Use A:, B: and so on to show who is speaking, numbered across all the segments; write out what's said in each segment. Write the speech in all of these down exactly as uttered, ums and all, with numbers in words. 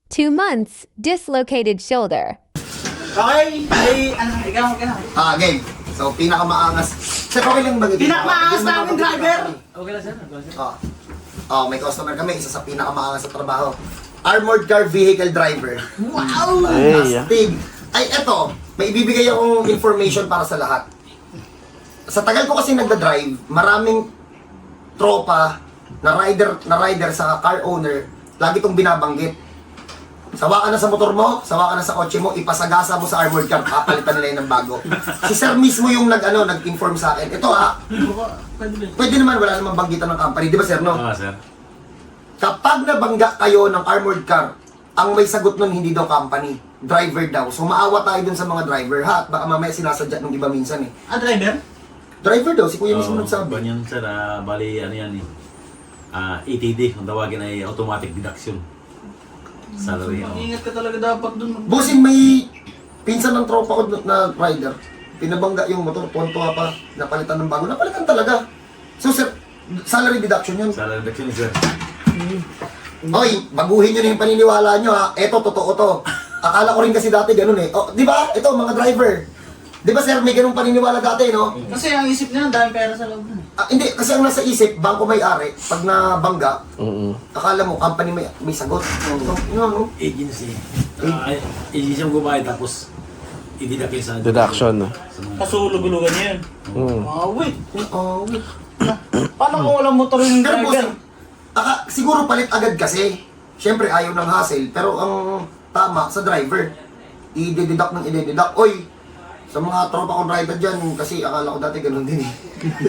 A: Two months, dislocated shoulder.
B: Okay, ay, ano, ikaw, ikaw.
C: Ah, game. So, pinakamaangas. Sir, okay lang ba?
B: Pinakamaangas namin, driver!
D: Okay lang sir. Okay lang sir.
C: Oh. Oh, may customer kami, isa sa pinakamaangas sa trabaho. Armored car vehicle driver.
B: Wow!
C: Fantastic. Ay, eto, may ibibigay akong information para sa lahat. Sa tagal ko kasi nagda-drive, maraming tropa na rider na rider sa car owner, lagi itong binabanggit. Sawa ka na sa motor mo, sawa ka na sa kotse mo, ipasagasa mo sa armored car, papalitan nila yun ng bago. Si sir mismo yung nag, ano, nag-inform sa akin. Ito ha, pwede naman, wala namang banggitan ng company. Di ba sir, no?
D: Ah, sir.
C: Kapag nabangga kayo ng armored car, ang may sagot nun hindi daw company, driver daw. So maawa tayo dun sa mga driver ha, at baka mamaya sinasadya ng iba minsan eh.
B: Ah, driver?
C: Driver daw, si kuya mismo
D: Oo,
C: nagsabi.
D: ganyan sir, ah, bali ano yan eh. Ah, A T D, kung tawagin ay automatic deduction. Salary. oh.
B: Ingat ka talaga dapat dun.
C: Bossing, may pinsan ng tropa ko na rider. Pinabangga yung motor, tuwan-tuwa pa, napalitan ng bago. Napalitan talaga. So sir, salary deduction yun.
D: Salary deduction sir.
C: Oy, baguhin nyo na yung paniniwala nyo ha. Eto, totoo to. Akala ko rin kasi dati ganun eh. Oh, di ba? Ito, mga driver. Di ba sir, may ganung paniniwala dati, no?
B: Kasi ang isip nila, daming pera sa loob dun.
C: Ah, hindi, kasi ang nasa isip, bangko may-ari, pag nabangga, akala mo, company may, may sagot. So, yun, no?
D: Agency. Ah, agency mo gumawa tapos i-deduct sa
E: Deduction.
D: Sa mga-
B: Kasulog-ulugan niya yun.
E: Mm.
B: Ah, wait.
C: Oh,
B: Paano kung walang motor yung
C: pero boss,
B: driver?
C: aka, siguro palit agad kasi. Siyempre, ayaw ng hassle, pero ang tama sa driver, i-deduct ng i-deduct. Oy, sa mga tropa kong rider dyan, kasi akala ko dati ganun din eh.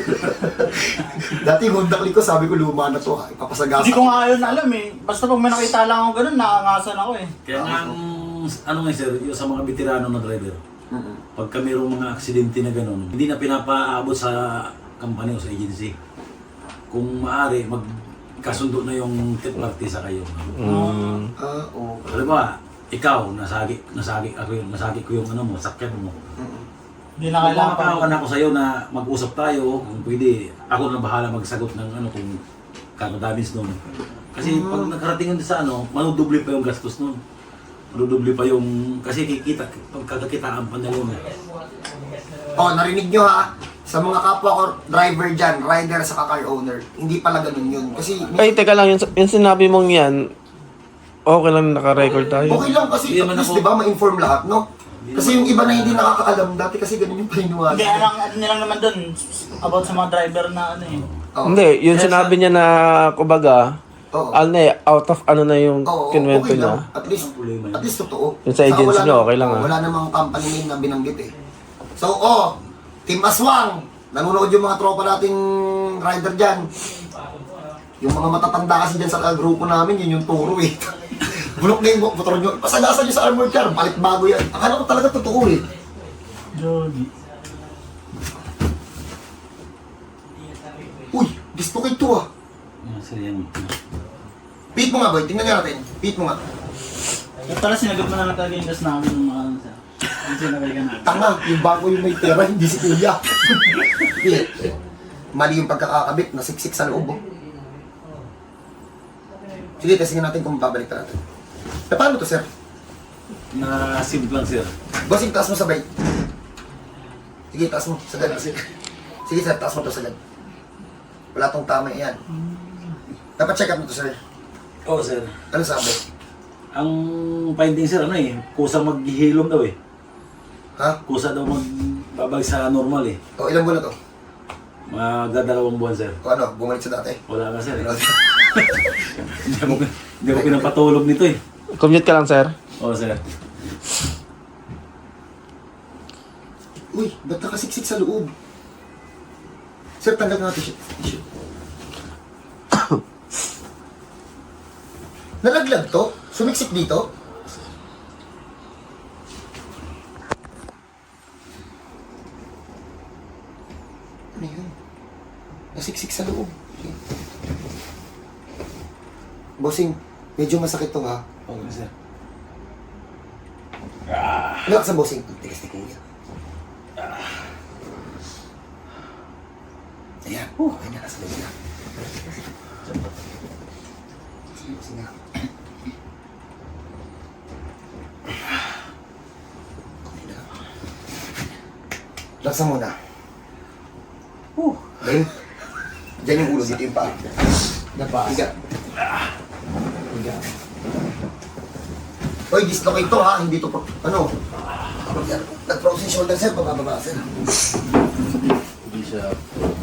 C: Dati yung Honda Click ko, sabi ko luma na to ha, ipapasagasa.
B: Hindi ko nga yun alam eh. Basta pag may nakita lang ako ganun, nakangasan ako eh.
D: Kaya nga, ang, ano nga sir, yung sa mga veterano na driver,
C: Mm-mm.
D: pagka mayroong mga aksidente na gano'n, hindi na pinapaabot sa company o sa agency. Kung maaari, magkasundo na yung third party sa kayo.
E: Mm.
C: Ah, oo.
D: Alam ba, ikaw, nasagi, nasagi ako yung, nasagi ko yung ano mo, sakyan mo.
B: Hindi na kailangan pa.
D: Kailangan ako sa'yo na mag-usap tayo, kung pwede, ako na bahala magsagot ng ano kung kano damage nun. Kasi pag nakarating yun sa ano, manudoble pa yung gastos nun. Manudoble pa yung, kasi kikita, pagkakakitaan pa nila yun.
C: Oh, narinig nyo ha, sa mga kapwa ko driver dyan, rider sa car owner, hindi pala ganun yun. Kasi,
E: Ay, teka lang, yung, yung sinabi mong yan, okay lang naka-record tayo.
C: okay lang kasi
D: Hindi
C: at
D: naman
C: least,
D: ako-
C: di ba, ma-inform lahat, no? Kasi yung iba na hindi nakakaalam, dati kasi ganun yung paniniwala.
B: Hindi, ano, ano nilang naman dun, about sa mga driver na ano eh.
C: Oh.
E: Hindi, yung sinabi niya na, kumbaga,
C: Oo.
E: ano eh, out of ano na yung
C: Oo,
E: kinwento
C: okay
E: niya.
C: lang. At least, at least totoo.
E: Yung sa agency
C: Saka wala
E: nyo,
C: na-
E: okay lang,
C: oh,
E: ah.
C: Wala namang company name na binanggit eh. So, oh, Team Aswang, nanonood yung mga tropa nating rider dyan. Yung mga matatanda kasi dyan sa grupo namin, yun yung turo eh. Bulok na yung motor nyo, pasagasan nyo sa armored car, palit bago yan. Akala ko talaga totoo eh.
B: Jody.
C: Uy, dislocate to ah.
D: Yan, sir, yan.
C: Pit mo nga boy, tingnan nga natin. Pit mo nga.
B: At pala sinagot mo na talaga yung gas namin ng mga ano sa. Yung sinabay ka natin.
C: Tanga, yung bago yung may pera, hindi si kuya. Pit. Mali yung pagkakakabit, nasiksik sa loob oh. Sige, testingin natin kung babalik na natin. E paano to sir?
D: Na simple lang sir.
C: Bossing, taas mo sabay. Sige, taas mo. Sagad. Sige sir, taas mo to sagad. Wala tong tama yan. Dapat check up mo to sir.
D: Oo sir.
C: Ano sabi?
D: Ang finding sir, ano eh, kusa maghihilom daw eh.
C: Ha?
D: Kusa daw magbabag sa normal eh.
C: O ilang buwan na to?
D: Magdadalawang buwan sir.
C: O ano, bumalik sa dati?
D: Wala ka sir eh. Hindi ako, hindi ako pinapatulog nito eh.
E: Commute ka lang, sir.
D: Oo sir.
C: Uy, ba't nakasiksik sa loob? Sir, tanggal nga natin siya. Tissue. Nalaglag to? Sumiksik dito? Ano yun? Nasiksik sa loob. Bossing, medyo masakit to ha.
D: Oo sir.
C: Relax sa bossing. Tigas ni kuya. Ayan. Okay na, nasa loob na. Sige, bossing na. Laksa muna. Whew. Then, dyan yung ulo, dito yung paa.
B: Dapa.
C: Higa. Higa. Oy, dislocate to ha, hindi to pro... Ano? Nag-frozen shoulder sir, pababa sir.
D: Hindi siya...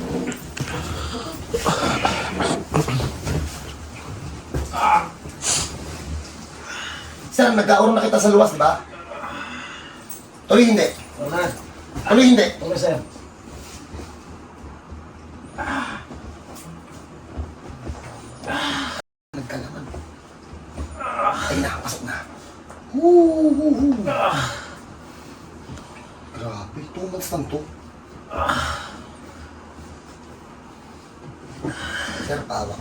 C: Sir, nagkaroon na kita sa luwas, di ba? Tuloy hindi.
B: Wala.
C: Tuloy hindi.
B: Okay, sir.
C: Nagkalaman. Ay na, pasok na. Huu, huu, huu. Grabe, two months lang to. Sir, pawak.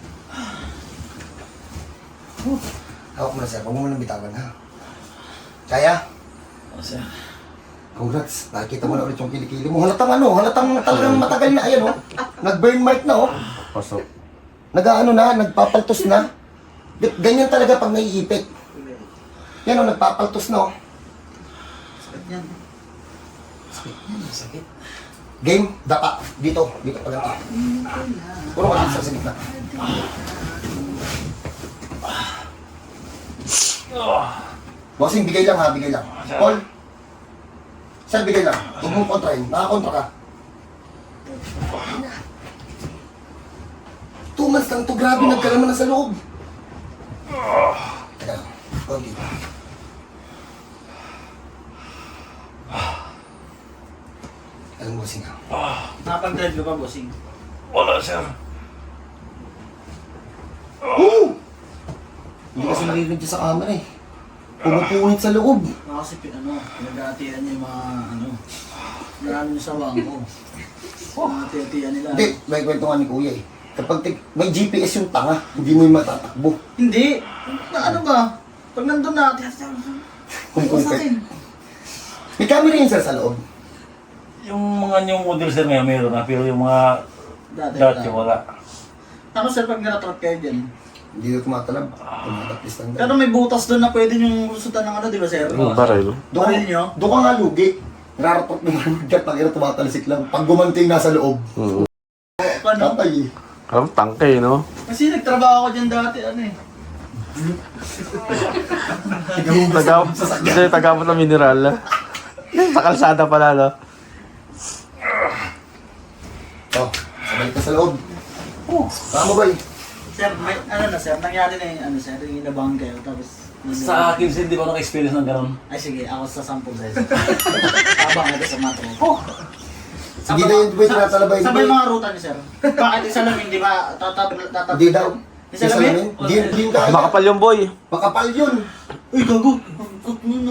C: Huh. Hawak mo na sir, huwag mo nang bitawan ha. Kaya?
D: Oh, sir.
C: Congrats, nakikita mo na ulit yung kilikili mo. Halatang ano, halatang talagang matagal na, ayan oh. Nag-burn mark na oh.
E: Pasok.
C: Nag-ano na, nagpapaltos na. G- Ganyan talaga pag naiipit. Yan oh, nagpapaltos na oh.
B: Sakit yan. Sakit yan, sakit.
C: Game, dapa. Dito, dito pa ganito. Puro ka dito sa gitna. Bossing, bigay lang ha, bigay lang. Paul, sir, bigay lang. Huwag mong kontrahin. Nakakontra ka. Two months lang to, grabe, nagkalaman na sa loob. Teka lang, konti. Alam mo, bossing ha.
B: Nakapag-drive ka pa, bossing?
D: Wala, sir.
C: Woo! Hindi kasi narinig dyan sa camera eh. Pumupunit sa loob.
B: Ako kasi, pin- ano, pinag-aatian niya yung mga, ano, marami yung sawang ko. Mga tiyatiyan nila.
C: Hindi, may kwento nga ni Kuya eh. Kapag tig- may G P S yung tanga, hindi mo yung matatakbo.
B: Hindi. Na, ano ba? Pag nandun na, tiyatiyan.
C: Kung
B: Kung sa
C: kumpet.
B: akin.
C: May camera yun sir sa loob.
D: Yung mga new model, sir, ngayon meron na. Pero yung mga
B: Dati,
D: dati,
B: wala.
D: wala.
B: Ako, sir, pag naratrap kayo dyan.
C: Hindi na tumatalab. Tumatapis lang
B: Pero
C: dyan.
B: may butas doon na pwede yung lusutan ng ano, di ba, sir?
E: Yung baril.
C: Doon
B: Baril nyo?
C: doon ka nga lugi. Nararatot mo naman dyan, pag ina tumatalisik lang. Pag gumanting nasa loob.
E: Mm.
B: Ano?
C: Tatay eh.
E: Parang tangke, no?
B: Kasi nagtrabaho ko dyan dati, ano eh.
E: Tagaw, hindi, tagawot ng mineral. Sa kalsada pala, no?
C: Oh, sabay ka sa loob. Oh, tama ba eh?
B: Sir, may, ano na, sir, nangyari na yung, ano, sir, yung inabangan kayo, tapos...
D: Sa akin, sir, hindi ba naka-experience ng gano'n?
B: Ay, sige, ako sa sample sa'yo. Abang ito sa matro. Oh!
C: Hindi na yun, wait, tinatalabay.
B: Sabay mga ruta niyo, sir. Bakit isa lang hindi ba tatab tatab?
C: Hindi daw.
B: Isa lang yun?
C: Hindi hindi yun kaya.
E: Makapal yung boy.
C: Makapal yun.
B: Uy, gago! Ano, no?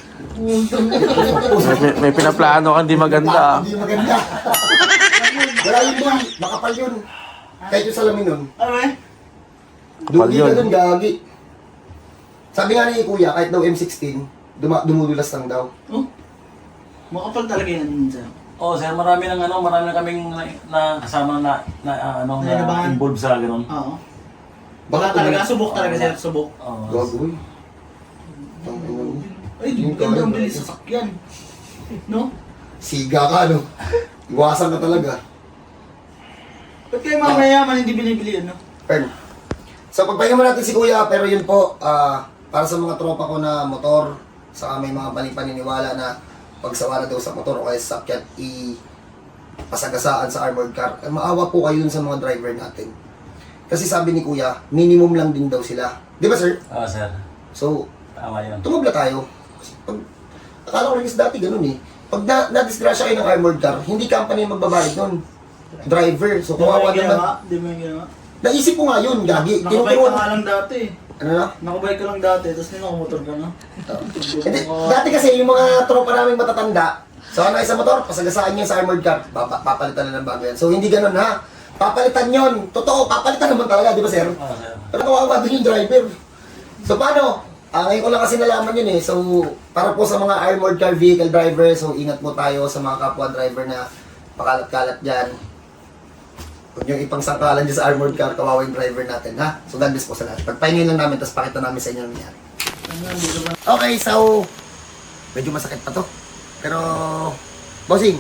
E: May, may, may pinaplano kang di maganda.
C: Hindi maganda. Wala yun boy. Makapal yun. Kahit yung salamin nun.
B: Ano eh?
E: Kapal
C: Dugi
E: yun.
C: ka dun, gagi. Sabi nga ni Kuya, kahit daw M sixteen, duma dumudulas lang daw.
B: Oh? Makapal talaga yan, sir.
D: Oo, oh, sir, marami ng ano, marami na kaming na, na kasama na, na ah, ano, na
B: Nainabangan.
D: involved sa gano'n.
B: Oo. Baka talaga, subok talaga, sir, subok.
D: Oo.
C: Gago eh. Tangina mo.
B: Ay, ganda ang bilis sa sakyan. No?
C: Siga ka, no? Iwasan ka talaga.
B: Ba't kayo mga mayaman hindi binibili yun, no?
C: Pen. So, pagpahinga mo natin si Kuya, pero yun po, ah, para sa mga tropa ko na motor, saka may mga paning-paniniwala na pagsawala daw sa motor o kaya sa sakyan, i-pasagasaan sa armored car. Eh, maawa po kayo dun sa mga driver natin. Kasi sabi ni Kuya, minimum lang din daw sila. Di ba, sir?
D: Oo, sir.
C: So,
D: Tama yun.
C: tumabla tayo. Kasi pag, akala ko rin is dati ganun eh. Pag na, na-disgrasya kayo ng armored car, hindi company yung magbabayad nun. Driver. So,
B: Di mo
C: kawawa
B: yung ginawa?
C: naman.
B: Di mo yung ginawa?
C: Naisip ko nga yun, gagi.
B: Nakabike ka
C: Tinuturuan.
B: nga lang dati.
C: Ano na?
B: Nakabike ka lang dati, tapos nakamotor ka na.
C: Hindi, dati kasi yung mga tropa namin matatanda, so ano isa motor, pasagasaan niya sa armored car, papa, papalitan na ng bago yan. So hindi ganun ha. Papalitan yon. Totoo, papalitan naman talaga, di ba sir?
D: Oo, sir.
C: Pero kawawa din yung driver. So paano? Ah, ngayon ko lang kasi nalaman yun eh. So, para po sa mga armored car vehicle driver, so ingat po tayo sa mga kapwa driver na pakalat-kalat dyan. Huwag niyong ipangsangkalan dyan sa armored car, kawawa yung driver natin, ha? So, God bless po sa lahat. Pagpahingin lang namin, tapos pakita namin sa inyo ang nangyari. Okay, so, medyo masakit pa to. Pero, Bossing.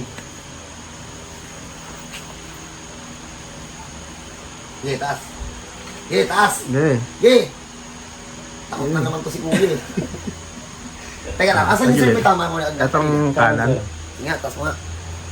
C: Sige, taas. Sige, taas.
E: Hindi.
C: Sige. Takot na naman to si Kuya eh. Teka lang, asan yung sir may tama mo na?
E: Itong kanan.
C: Sige nga, taas mo nga.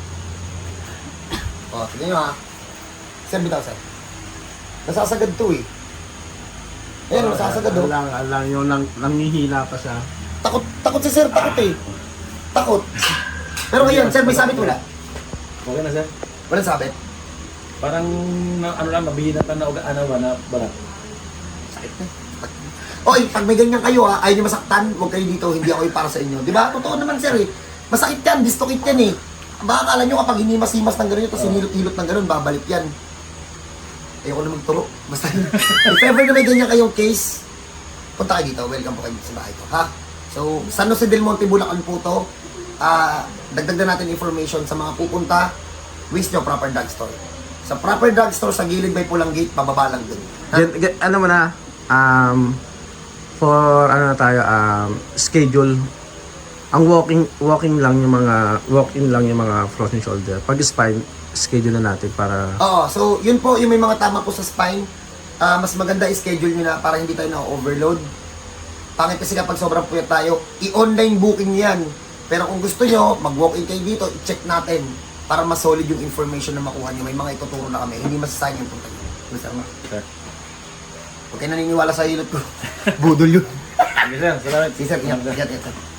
C: O, tignan nyo ha. Sir, bitaw sir. Nasasagad to eh. Ayan, nasasagad oh.
E: Alang, alang yung nang, nangihina pa siya.
C: Takot, takot si sir, takot eh. Takot. Pero ngayon, sir, may sabit wala?
D: Okay na sir.
C: Walang sabit?
D: Parang na, ano lang, mabihina na uga, ano ba, na balat.
C: Sakit na. Oy, pag may ganyan kayo ha, ayaw nyo masaktan, huwag kayo dito, hindi ako yung para sa inyo. Di ba? Totoo naman sir eh. Masakit yan, distokit yan eh. Baka akala nyo kapag hinimas-himas ng gano'n, tapos hinilot-hilot ng gano'n, babalik yan. Ayoko na magturo. Basta, if ever na may ganyan kayong case, punta kayo dito, welcome po kayo dito sa bahay ko, ha? So, San Jose del Monte, Bulacan po to. Ah, dagdag na natin information sa mga pupunta. Wish nyo, proper drugstore. Sa proper drugstore, sa gilid may pulang gate, pababa lang dun. Ha?
E: Get, get, ano mo na, um, for ano na tayo, um, schedule. Ang walking walking lang yung mga walk-in lang yung mga frozen shoulder. Pag spine, schedule na natin para
C: Oo, so yun po, yung may mga tama po sa spine, ah, mas maganda i-schedule nyo na para hindi tayo na-overload. Pangit kasi kapag sobrang puyat tayo, i-online booking yan. Pero kung gusto nyo, mag-walk-in kayo dito, i-check natin para mas solid yung information na makuha nyo. May mga ituturo na kami, hindi masasayang yung punta nyo. Basta ma.
D: Sir.
C: Huwag kayo naniniwala sa hilot ko. Budol yun.
D: Sige sir, salamat.
C: Si sir, ingat, ingat, ingat.